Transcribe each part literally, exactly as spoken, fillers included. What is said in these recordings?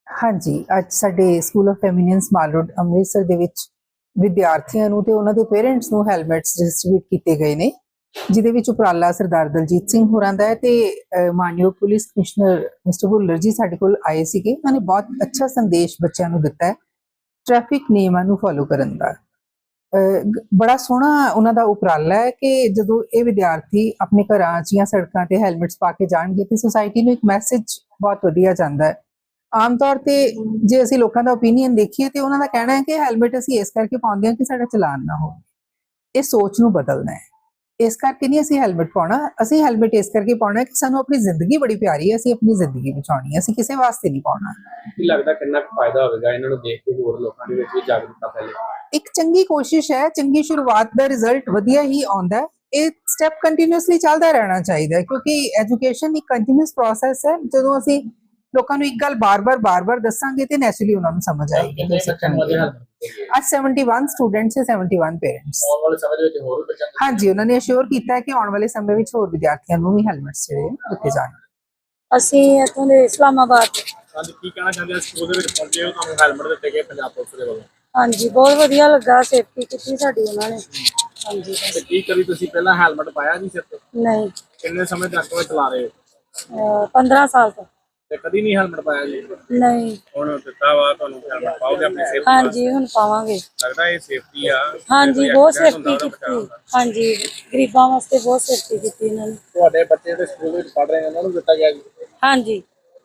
हाँ जी, ਅੱਜ ਸਾਡੇ school of eminence mall road Amritsar ਦੇ ਵਿੱਚ ਵਿਦਿਆਰਥੀਆਂ ਨੂੰ ਤੇ ਉਹਨਾਂ ਦੇ ਪੇਰੈਂਟਸ ਨੂੰ ਹੈਲਮਟਸ ਡਿਸਟ੍ਰੀਬਿਊਟ ਕੀਤੇ ਗਏ ਨੇ, ਜਿਹਦੇ ਵਿੱਚ ਉਪਰਾਲਾ ਸਰਦਾਰ ਦਲਜੀਤ ਸਿੰਘ ਹੋਰਾਂ ਦਾ ਹੈ ਤੇ ਅਹ, ਮਾਨਯੋਗ ਪੁਲਿਸ ਕਮਿਸ਼ਨਰ ਮਿਸਟਰ ਭੁੱਲਰ ਜੀ ਸਾਡੇ ਕੋਲ ਆਏ ਸੀਗੇ। ਉਹਨਾਂ ਨੇ ਬਹੁਤ ਅੱਛਾ ਸੰਦੇਸ਼ ਬੱਚਿਆਂ ਨੂੰ ਦਿੱਤਾ ਹੈ ਟ੍ਰੈਫਿਕ ਨਿਯਮਾਂ ਨੂੰ ਫੋਲੋ ਕਰਨ ਦਾ। ਅਹ, ਗ- ਬੜਾ ਸੋਹਣਾ ਉਹਨਾਂ ਦਾ ਉਪਰਾਲਾ ਹੈ ਕਿ ਜਦੋਂ ਇਹ ਵਿਦਿਆਰਥੀ ਆਪਣੇ ਘਰਾਂ 'ਚ ਜਾਂ ਸੜਕਾਂ ਤੇ ਹੈਲਮਟਸ ਪਾ ਕੇ ਜਾਣਗੇ ਤੇ ਸੁਸਾਇਟੀ ਨੂੰ ਇੱਕ ਮੈਸੇਜ ਬਹੁਤ ਵਧੀਆ ਜਾਂਦਾ ਹੈ। ਆਮ ਤੌਰ ਤੇ ਜੇ ਅਸੀਂ ਲੋਕਾਂ ਦਾ ਓਪੀਨੀਅਨ ਦੇਖੀਏ ਤੇ ਉਹਨਾਂ ਦਾ ਕਹਿਣਾ ਹੈ ਕਿ ਹੈਲਮਟ ਅਸੀਂ ਇਸ ਕਰਕੇ ਪਾਉਂਦੇ ਹਾਂ ਕਿ ਸਾਡਾ ਚਲਾਨ ਨਾ ਹੋਵੇ। ਇਹ ਸੋਚ ਨੂੰ ਬਦਲਣਾ ਹੈ। ਇਸ ਕਰਕੇ ਨਹੀਂ ਅਸੀਂ ਹੈਲਮਟ ਪਾਉਣਾ, ਅਸੀਂ ਹੈਲਮਟ ਇਸ ਕਰਕੇ ਪਾਉਣਾ ਕਿ ਸਾਨੂੰ ਆਪਣੀ ਜ਼ਿੰਦਗੀ ਬੜੀ ਪਿਆਰੀ ਹੈ, ਅਸੀਂ ਆਪਣੀ ਜ਼ਿੰਦਗੀ ਬਚਾਉਣੀ ਹੈ, ਅਸੀਂ ਕਿਸੇ ਵਾਸਤੇ ਨਹੀਂ ਪਾਉਣਾ। ਕੀ ਲੱਗਦਾ ਕਿੰਨਾ ਕੁ ਫਾਇਦਾ ਹੋਵੇਗਾ ਇਹਨਾਂ ਨੂੰ ਦੇਖ ਕੇ ਹੋਰ ਲੋਕਾਂ ਦੇ ਵਿੱਚ ਵੀ ਜਾਗਰੂਕਤਾ ਫੈਲੇ? ਇੱਕ ਚੰਗੀ ਕੋਸ਼ਿਸ਼ ਹੈ, ਚੰਗੀ ਸ਼ੁਰੂਆਤ ਦਾ ਰਿਜ਼ਲਟ ਵਧੀਆ ਹੀ ਆਉਂਦਾ ਹੈ। ਇਹ ਸਟੈਪ ਕੰਟੀਨਿਊਸਲੀ ਚੱਲਦਾ ਰਹਿਣਾ ਚਾਹੀਦਾ ਹੈ ਕਿਉਂਕਿ ਐਜੂਕੇਸ਼ਨ ਇੱਕ ਕੰਟੀਨਿਊਸ ਪ੍ਰੋਸੈਸ ਹੈ। ਜਦੋਂ ਅਸੀਂ ਲੋਕਾਂ ਨੂੰ ਇੱਕ ਗੱਲ ਬਾਰ-ਬਾਰ ਬਾਰ-ਬਾਰ ਦੱਸਾਂਗੇ ਤੇ ਨੈਚੁਰਲੀ ਉਹਨਾਂ ਨੂੰ ਸਮਝ ਆਏਗੀ। ਕਿੰਨੇ ਬੱਚਿਆਂ ਨੂੰ ਅਜੇ helmet ਦਿੱਤੇ ਗਏ? ਅੱਜ ਇਕਹੱਤਰ ਸਟੂਡੈਂਟਸ ਤੇ ਇਕਹੱਤਰ ਪੇਰੈਂਟਸ। ਆਉਣ ਵਾਲੇ ਸਮੇਂ ਦੇ ਵਿੱਚ ਹੋਰ ਵੀ ਬੱਚਿਆਂ ਨੂੰ ਹਾਂਜੀ, ਉਹਨਾਂ ਨੇ ਅਸ਼ੋਰ ਕੀਤਾ ਹੈ ਕਿ ਆਉਣ ਵਾਲੇ ਸਮੇਂ ਵਿੱਚ ਹੋਰ ਵਿਦਿਆਰਥੀਆਂ ਨੂੰ ਵੀ ਹੈਲਮਟਸ ਜਿਹੜੇ ਦਿੱਤੇ ਜਾਣਗੇ। ਅਸੀਂ ਇੱਥੋਂ ਦੇ ਇਸਲਾਮਾਬਾਦ ਤੋਂ। ਅੱਜ ਕੀ ਕਹਿਣਾ ਚਾਹੁੰਦੇ ਆ? ਸਕੂਲ ਦੇ ਵਿੱਚ ਪਹੁੰਚੇ ਹੋ, ਤੁਹਾਨੂੰ ਹੈਲਮਟ ਦਿੱਤੇ ਗਏ ਪੰਜਾਬ ਪੁਲਿਸ ਦੇ ਵੱਲੋਂ, ਹਾਂਜੀ, ਬਹੁਤ ਵਧੀਆ ਲੱਗਾ, ਸੇਫਟੀ ਕੀਤੀ ਸਾਡੀ ਉਹਨਾਂ ਨੇ। ਹਾਂਜੀ, ਤੇ ਕੀ ਕਰੀ ਤੁਸੀਂ ਪਹਿਲਾਂ ਹੈਲਮਟ ਪਾਇਆ ਨਹੀਂ ਸਿਰ ਤੇ? ਨਹੀਂ, ਕਿੰਨੇ ਸਮੇਂ ਤੱਕ ਉਹ ਚਲਾ ਰਹੇ ਹੋ ਅਹ ਪੰਦਰਾਂ ਸਾਲ ਤੋਂ ਤੇ ਕਦੀ ਨਹੀਂ ਹੈਲਮਟ ਪਾਇਆ ਜੀ? ਨਹੀਂ। ਹੁਣ ਦਿੱਤਾ ਵਾ ਤੁਹਾਨੂੰ ਹੈਲਮਟ, ਪਾਓਗੇ ਆਪਣੀ ਸੇਫਟੀ ਹਾਂਜੀ, ਹੁਣ ਪਾਵਾਂਗੇ। ਲੱਗਦਾ ਇਹ ਸੇਫਟੀ ਆ? ਹਾਂਜੀ, ਬਹੁਤ ਸੇਫਟੀ ਕੀਤੀ। ਹਾਂਜੀ, ਗਰੀਬਾਂ ਵਾਸਤੇ ਬਹੁਤ ਸੇਫਟੀ ਕੀਤੀ ਇਹਨਾਂ ਨੇ। ਤੁਹਾਡੇ ਬੱਚੇ ਜਿਹੜੇ ਸਕੂਲ ਵਿੱਚ ਪੜ੍ਹ ਰਹੇ ਨੇ ਉਹਨਾਂ ਨੂੰ ਦਿੱਤਾ ਗਿਆ ਜੀ, ਹਾਂਜੀ,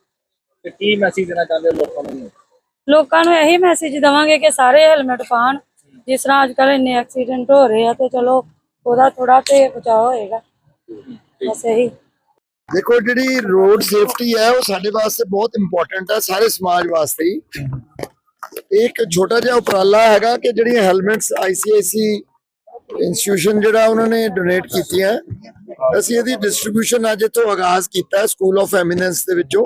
ਤੇ ਕੀ ਮੈਸੇਜ ਦੇਣਾ ਚਾਹੁੰਦੇ ਹੋ ਲੋਕਾਂ ਨੂੰ? ਲੋਕਾਂ ਨੂੰ ਇਹੀ ਮੈਸੇਜ ਦੇਵਾਂਗੇ ਕਿ ਸਾਰੇ ਹੈਲਮਟ ਪਾਉਣ। ਜਿਸ ਤਰ੍ਹਾਂ ਅੱਜ ਕੱਲ੍ਹ ਇੰਨੇ ਐਕਸੀਡੈਂਟ ਹੋ ਰਹੇ ਆ ਤੇ ਚਲੋ ਉਹਦਾ ਥੋੜਾ ਤੇ ਬਚਾਅ ਹੋਏਗਾ, ਬਸ ਇਹੀ। देखो जी रोड सेफ्टी है वो साडे वास्ते बहुत इंपॉर्टेंट है, सारे समाज वास्ते ही। एक छोटा जिहा उपराला हैगा कि जिहड़ी हेलमेट्स आई सी आई सी इंस्टीट्यूशन जिहड़ा उन्होंने डोनेट कीतियां, ਅਸੀਂ ਇਹਦੀ ਡਿਸਟ੍ਰੀਬਿਊਸ਼ਨ ਅੱਜ ਇੱਥੋਂ ਆਗਾਜ਼ ਕੀਤਾ ਸਕੂਲ ਆਫ ਐਮੀਨੈਂਸ ਦੇ ਵਿੱਚੋਂ।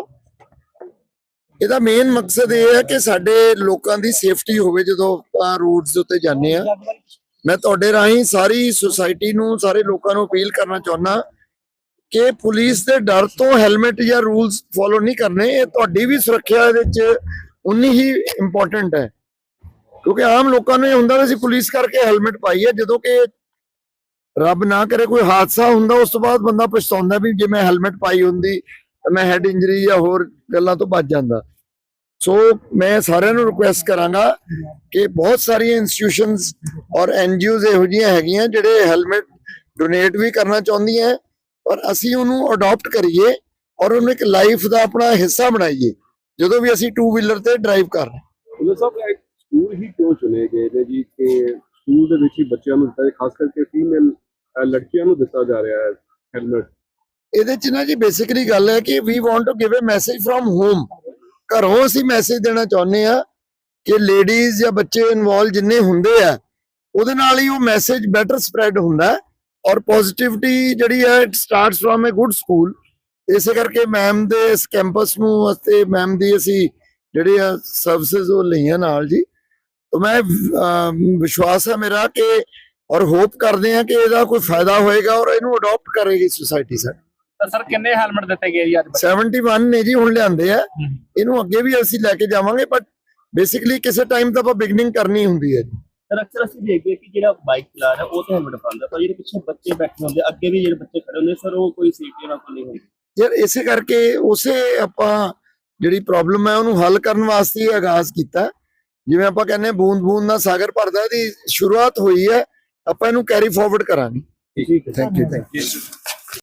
ਇਹਦਾ ਮੇਨ ਮਕਸਦ ਇਹ ਹੈ ਕਿ ਸਾਡੇ ਲੋਕਾਂ ਦੀ ਸੇਫਟੀ ਹੋਵੇ ਜਦੋਂ ਆਪਾਂ ਰੋਡਸ ਦੇ ਉੱਤੇ ਜਾਂਦੇ ਆ। ਮੈਂ ਤੁਹਾਡੇ ਰਾਹੀਂ ਸਾਰੀ ਸੁਸਾਇਟੀ ਨੂੰ, ਸਾਰੇ ਲੋਕਾਂ ਨੂੰ ਅਪੀਲ ਕਰਨਾ ਚਾਹੁੰਦਾ ਕਿ ਪੁਲਿਸ ਦੇ ਡਰ ਤੋਂ ਹੈਲਮਟ ਜਾਂ ਰੂਲਸ ਫੋਲੋ ਨਹੀਂ ਕਰਨੇ। ਇਹ ਤੁਹਾਡੀ ਵੀ ਸੁਰੱਖਿਆ ਦੇ ਵਿੱਚ ਉਨੀ ਹੀ ਇੰਪੋਰਟੈਂਟ ਹੈ ਕਿਉਂਕਿ ਆਮ ਲੋਕਾਂ ਨੂੰ ਇਹ ਹੁੰਦਾ ਵੀ ਅਸੀਂ ਪੁਲਿਸ ਕਰਕੇ ਹੈਲਮਟ ਪਾਈ ਹੈ, ਜਦੋਂ ਕਿ ਰੱਬ ਨਾ ਕਰੇ ਕੋਈ ਹਾਦਸਾ ਹੁੰਦਾ ਉਸ ਤੋਂ ਬਾਅਦ ਬੰਦਾ ਪਛਤਾਉਂਦਾ ਵੀ ਜੇ ਮੈਂ ਹੈਲਮਟ ਪਾਈ ਹੁੰਦੀ ਤਾਂ ਮੈਂ ਹੈਡ ਇੰਜਰੀ ਜਾਂ ਹੋਰ ਗੱਲਾਂ ਤੋਂ ਬਚ ਜਾਂਦਾ। ਸੋ ਮੈਂ ਸਾਰਿਆਂ ਨੂੰ ਰਿਕੁਐਸਟ ਕਰਾਂਗਾ ਕਿ ਬਹੁਤ ਸਾਰੀਆਂ ਇੰਸਟੀਟਿਊਸ਼ਨਸ ਔਰ ਐਨ ਜੀ ਓਜ਼ ਇਹੋ ਜਿਹੀਆਂ ਹੈਗੀਆਂ ਜਿਹੜੇ ਹੈਲਮਟ ਡੋਨੇਟ ਵੀ ਕਰਨਾ ਚਾਹੁੰਦੀਆਂ, ਪਰ ਅਸੀਂ ਉਹਨੂੰ ਅਡਾਪਟ ਕਰੀਏ ਔਰ ਉਹਨੂੰ ਇੱਕ ਲਾਈਫ ਦਾ ਆਪਣਾ ਹਿੱਸਾ ਬਣਾਈਏ ਜਦੋਂ ਵੀ ਅਸੀਂ ਟੂ ਵੀਲਰ ਤੇ ਡਰਾਈਵ ਕਰ ਰਹੇ ਹਾਂ। ਪੁਲਿਸ ਸਾਹਿਬ ਸਕੂਲ ਹੀ ਕਿਉਂ ਚੁਣੇ ਗਏ ਨੇ ਜੀ ਕਿ ਸਕੂਲ ਦੇ ਵਿੱਚ ਹੀ ਬੱਚਿਆਂ ਨੂੰ ਦਿੱਤਾ, ਖਾਸ ਕਰਕੇ ਫੀਮੇਲ ਲੜਕੀਆਂ ਨੂੰ ਦਿੱਤਾ ਜਾ ਰਿਹਾ ਹੈ ਹੈਲਮਟ? ਇਹਦੇ ਚ ਨਾ ਜੀ ਬੇਸਿਕਲੀ ਗੱਲ ਹੈ ਕਿ we want to give a message from home. ਘਰੋਂ ਅਸੀਂ ਮੈਸੇਜ ਦੇਣਾ ਚਾਹੁੰਦੇ ਆ ਕਿ ਲੇਡੀਜ਼ ਜਾਂ ਬੱਚੇ ਇਨਵੋਲਵ ਜਿੰਨੇ ਹੁੰਦੇ ਆ ਉਹਦੇ ਨਾਲ ਹੀ ਉਹ ਮੈਸੇਜ ਬੈਟਰ ਸਪਰੈਡ ਹੁੰਦਾ ਹੈ ਔਰ ਪੋਜ਼ਿਟਿਵਿਟੀ ਜਿਹੜੀ ਹੈ it starts from a good school. ਇਸੇ ਕਰਕੇ ਮੈਮ ਦੇ ਇਸ ਕੈਂਪਸ ਨੂੰ ਅਤੇ ਮੈਮ ਦੀ ਅਸੀਂ ਜਿਹੜੀ ਆ ਸਰਵਿਸਿਜ਼ ਉਹ ਲਈਆਂ ਨਾਲ ਜੀ। ਤਾਂ ਮੈਂ ਵਿਸ਼ਵਾਸ ਹੈ ਮੇਰਾ ਕਿ ਔਰ ਹੋਪ ਕਰਦੇ ਆ ਕਿ ਇਹਦਾ ਕੋਈ ਫਾਇਦਾ ਹੋਏਗਾ ਔਰ ਇਹਨੂੰ ਅਡਾਪਟ ਕਰੇਗੀ ਸੁਸਾਇਟੀ ਸਾਡੀ। ਤਾਂ ਸਰ ਕਿੰਨੇ ਹੈਲਮਟ ਦਿੱਤੇ ਗਏ ਜੀ ਅੱਜ? ਇਕਹੱਤਰ ਨੇ ਜੀ ਹੁਣ ਲਿਆਂਦੇ ਆ, ਇਹਨੂੰ ਅੱਗੇ ਵੀ ਅਸੀਂ ਲੈ ਕੇ ਜਾਵਾਂਗੇ, ਬਟ ਬੇਸਿਕਲੀ ਕਿਸੇ ਟਾਈਮ ਤਾਂ ਆਪਾਂ ਬਿਗਨਿੰਗ ਕਰਨੀ ਹੁੰਦੀ ਹੈ ਜੀ। ਸਰ ਅਕਸਰ ਅਸੀਂ ਦੇਖਦੇ ਹਾਂ ਕਿ ਜਿਹੜਾ ਬਾਈਕ ਚਲਾ ਰਿਹਾ ਉਹ ਤਾਂ ਹੈਲਮਟ ਪਾਉਂਦਾ, ਪਰ ਜਿਹੜੇ ਪਿੱਛੇ ਬੱਚੇ ਬੈਠੇ ਹੁੰਦੇ ਅੱਗੇ ਵੀ ਜਿਹੜੇ ਬੱਚੇ ਖੜੇ ਹੁੰਦੇ ਸਰ ਉਹ ਕੋਈ ਸੇਫਟੀ ਨਾਲ ਨਹੀਂ ਹੁੰਦੀ। ਯਾਰ ਇਸੇ ਕਰਕੇ ਉਸੇ ਆਪਾਂ ਜਿਹੜੀ ਪ੍ਰੋਬਲਮ ਹੈ ਉਹਨੂੰ ਹੱਲ ਕਰਨ ਵਾਸਤੇ ਆਗਾਜ਼ ਕੀਤਾ। ਜਿਵੇਂ ਆਪਾਂ ਕਹਿੰਦੇ ਬੂੰਦ ਬੂੰਦ ਨਾਲ ਸਾਗਰ ਭਰਦਾ, ਇਹਦੀ ਸ਼ੁਰੂਆਤ ਹੋਈ ਹੈ, ਆਪਾਂ ਇਹਨੂੰ ਕੈਰੀ ਫਾਰਵਰਡ ਕਰਾਂਗੇ। ਠੀਕ ਹੈ, ਥੈਂਕ ਯੂ ਥੈਂਕ ਯੂ।